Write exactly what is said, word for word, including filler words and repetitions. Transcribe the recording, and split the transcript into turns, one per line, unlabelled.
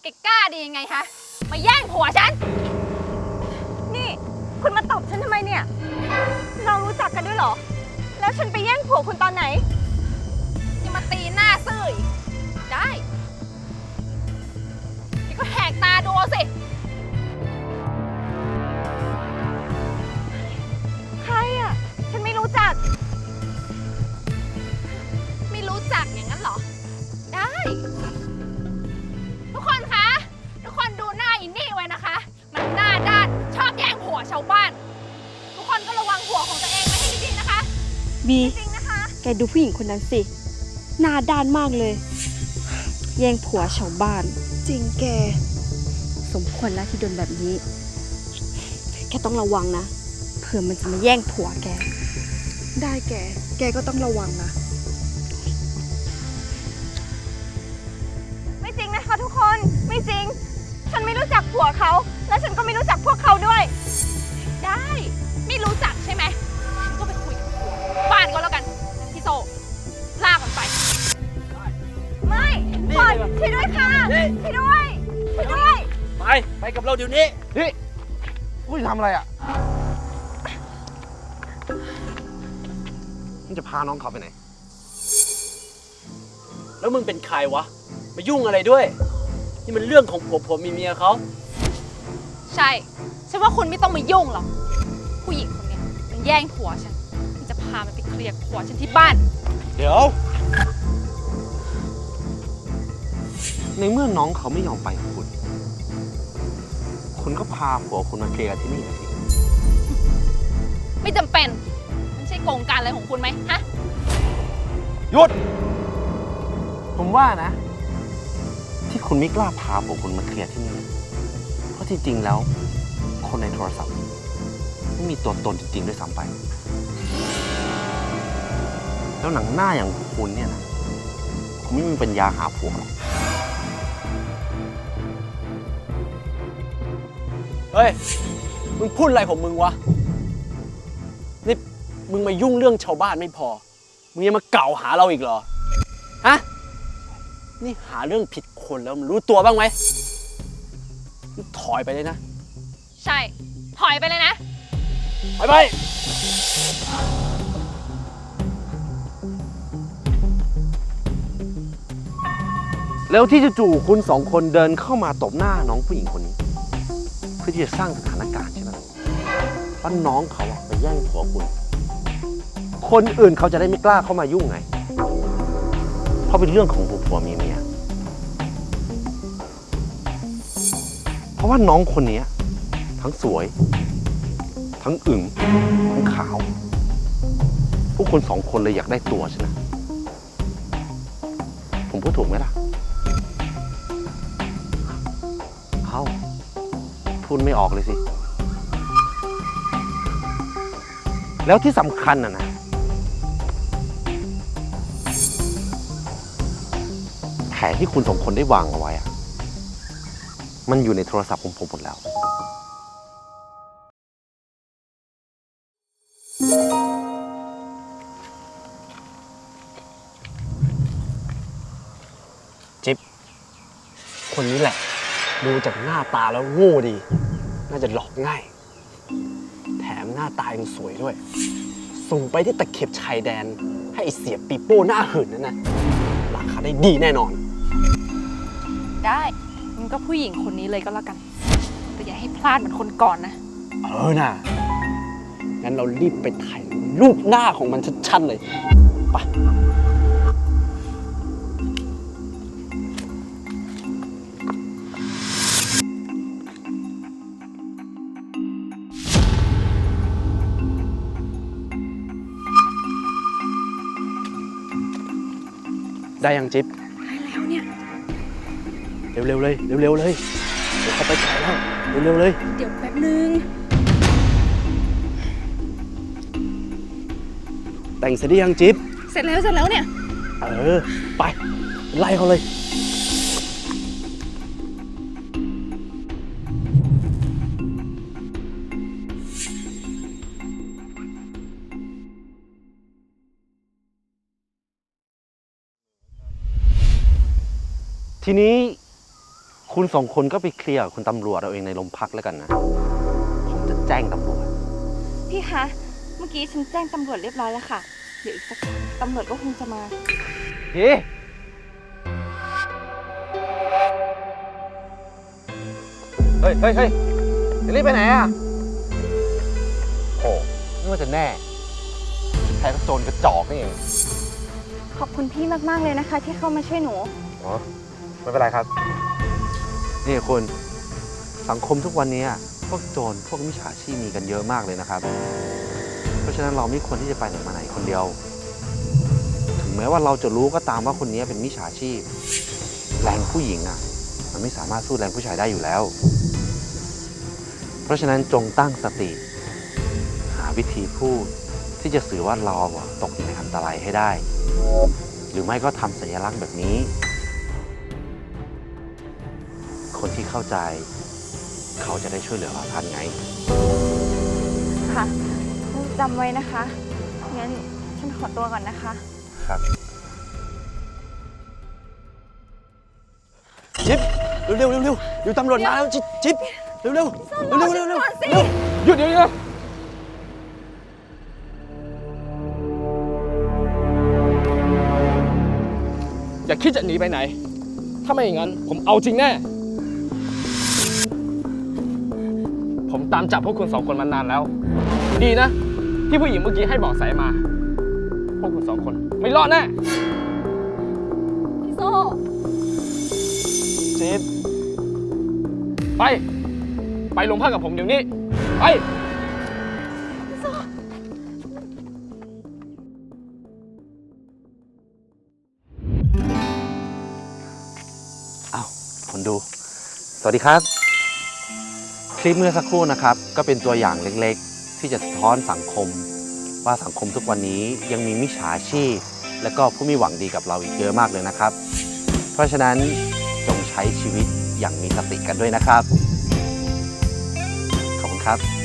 กล้าดียังไงฮะมาแย่งผัวฉัน
นี่คุณมาตบฉันทำไมเนี่ยเรารู้จักกันด้วยเหรอแล้วฉันไปแย่งผัวคุณตอนไหน
ยังมาตีหน้าซื่ออีกได้นี่ก็แหกตาดูสิ
ใครอ่ะฉันไม่รู้จัก
ไม่รู้จักอย่างนั้นเหรอได้ทุกคนคะทุกคนดูหน้าอินนี่ไว้นะคะมันหน้าด้านชอบแย่งผัวชาวบ้านทุกคนก็ระวังผัวของตัวเองไว้ให้ดีๆนะคะ
บี
จริงนะคะ
แกดูผู้หญิงคนนั้นสิหน้าด้านมากเลยแย่งผัวชาวบ้านจริงแกสมควรแล้วที่โดนแบบนี้แกต้องระวังนะเผื่อมันจะมาแย่งผัวแกได้แกแกก็ต้องระวังนะ
ไม่จริงนะคะทุกคนไม่จริงฉันไม่รู้จักผัวเขาและฉันก็ไม่รู้จักพวกเขาด้วย
ได้ไม่รู้จักใช่ไหมฉันก็ไปคุยกับผัวบ้านก็แล้วกันพี่โซลากมันไป
ไม่ปล่อยช่วยด้วยค่ะช่วยด้วยช่วยด้วย
ไปไปกับเราเดี๋ยวนี้
นี่กูจะทำอะไรอ่ะมึงจะพาน้องเขาไปไหน
แล้วมึงเป็นใครวะมายุ่งอะไรด้วยนี่มันเรื่องของผัวผัวมีเมียเขา
ใช่ฉันว่าคุณไม่ต้องมายุ่งหรอกผู้หญิงคนนี้มันแย่งผัวฉันฉันจะพามันไปเคลียร์ผัวฉันที่บ้าน
เดี๋ยวในเมื่อน้องเขาไม่ยอมไปกับคุณคุณก็พาผัวคุณมาเคลียร์ที่นี่นะสิ
ไม่จำเป็นไม่ใช่โกงการอะไรของคุณไหมฮะ
หยุดผมว่านะที่คุณไม่กล้าพาผัวคุณมาเคลียร์ที่นี่เพราะที่จริงแล้วคนในโทรศัพท์ไม่มีตัวตนจริงๆด้วยซ้ำไปแล้วหนังหน้าอย่างคุณเนี่ยนะคุณไม่มีปัญญาหาผัวหรอก
เฮ้ยมึงพูดอะไรของมึงวะนี่มึงมายุ่งเรื่องชาวบ้านไม่พอมึงยังมาเก่าหาเราอีกเหรอฮะนี่หาเรื่องผิดคนแล้วมึงรู้ตัวบ้างไหมถอยไปเลยนะ
ใช่ถอยไปเลยนะ
ไปไป
แล้วที่จู่ๆคุณสองคนเดินเข้ามาตบหน้าน้องผู้หญิงคนนี้เพื่อที่จะสร้างสถานการณ์ใช่ไหมว่าน้องเขาไปแย่งผัวคุณคนอื่นเขาจะได้ไม่กล้าเข้ามายุ่งไงเพราะเป็นเรื่องของผัวเมียเมียเพราะว่าน้องคนนี้ทั้งสวยทั้งอึ๋งทั้งขาวพวกคนสองคนเลยอยากได้ตัวใช่ไหมผมพูดถูกไหมล่ะเอ้าพูดไม่ออกเลยสิแล้วที่สำคัญน่ะนะแผนที่คุณสองคนได้วางเอาไว้อะมันอยู่ในโทรศัพท์ของผมหมดแล้ว
จิ๊บคนนี้แหละดูจากหน้าตาแล้วโง่ดีน่าจะหลอกง่ายแถมหน้าตายังสวยด้วยส่งไปที่ตะเข็บชายแดนให้ไอ้เสียปีโป้หน้าหื่นนั่นนะราคาได้ดีแน่นอน
ได้มันก็ผู้หญิงคนนี้เลยก็แล้วกันแต่อย่าให้พลาดเหมือนคนก่อนนะ
เออน่ะงั้นเรารีบไปถ่ายรูปหน้าของมันชัดๆเลยไปได้ยังจิ๊บ
ได้แล้วเนี่ย
เร็วๆเลยเร็วๆเลยเดี๋ยวเขาไปถ่ายแล้วเร็วๆเลย
เดี๋ยวแป๊บนึง
แต่งเสร็จหรือยังจิ๊บ
เสร็จแล้วเสร็จแล้วเนี่ย
เออไปไล่เขาเลย
ทีนี้คุณสองคนก็ไปเคลียร์กับคุณตำรวจเอาเองในโรงพักแล้วกันนะ ผมจะแจ้งตำรวจ
พี่คะ เมื่อกี้ฉันแจ้งตำรวจเรียบร้อยแล้วค่ะ เดี๋ยวอีกสักพักตำรวจก็คงจะมา
พี่เฮ้ยเฮ้ยเฮ้ยจะรีบไปไหนอ่ะ โอ้ไม่ว่าจะแน่แค่กระโจนกระจอกนี่เอง
ขอบคุณพี่มากๆเลยนะคะ ที่เข้ามาช่วยหนู
อ๋อ ไม่เป็นไรครับ นี่คุณสังคมทุกวันนี้พวกโจรพวกมิจฉาชีพมีกันเยอะมากเลยนะครับ เพราะฉะนั้นเราไม่ควรที่จะไปไหนมาไหนคนเดียว ถึงแม้ว่าเราจะรู้ก็ตามว่าคนนี้เป็นมิจฉาชีพ แรงผู้หญิงอ่ะ มันไม่สามารถสู้แรงผู้ชายได้อยู่แล้ว เพราะฉะนั้นจงตั้งสติ หาวิธีพูดที่จะสื่อว่าเราอะตกอยู่ในอันตรายให้ได้ หรือไม่ก็ทำสัญลักษณ์แบบนี้ คนที่เข้าใจ เขาจะได้ช่วยเหลือเราทันไง
ค่ะจำไว้นะคะ งั้นฉันขอตัวก่อนนะคะ
ครับ
จิ๊บเร็วเร็วเร็วเดี๋ยวตำรวจมาแล้วจิ๊บจิ๊บเร็วเร็วเร็วเร็วเร็วเร็วเร็ว
หยุดเดี๋ยวนี้นะอย่าคิดจะหนีไปไหน ถ้าไม่อย่างนั้น ผมเอาจริงแน่ ผมตามจับพวกคุณสองคนมานานแล้ว ดีนะ ที่ผู้หญิงเมื่อกี้ให้เบอกสายมา พวกคุณสองคนไม่รอดแน่
พี่โซ่
จิ๊บไป ไปโรงพักกับผมเดี๋ยวนี้ ไป
อ้าวคนดู สวัสดีครับ คลิปเมื่อสักครู่นะครับ ก็เป็นตัวอย่างเล็กๆ ที่จะสะท้อนสังคม ว่าสังคมทุกวันนี้ยังมีมิจฉาชีพ และก็ผู้ไม่หวังดีกับเราอีกเยอะมากเลยนะครับ เพราะฉะนั้นจงใช้ชีวิตอย่างมีสติกันด้วยนะครับ ขอบคุณครับ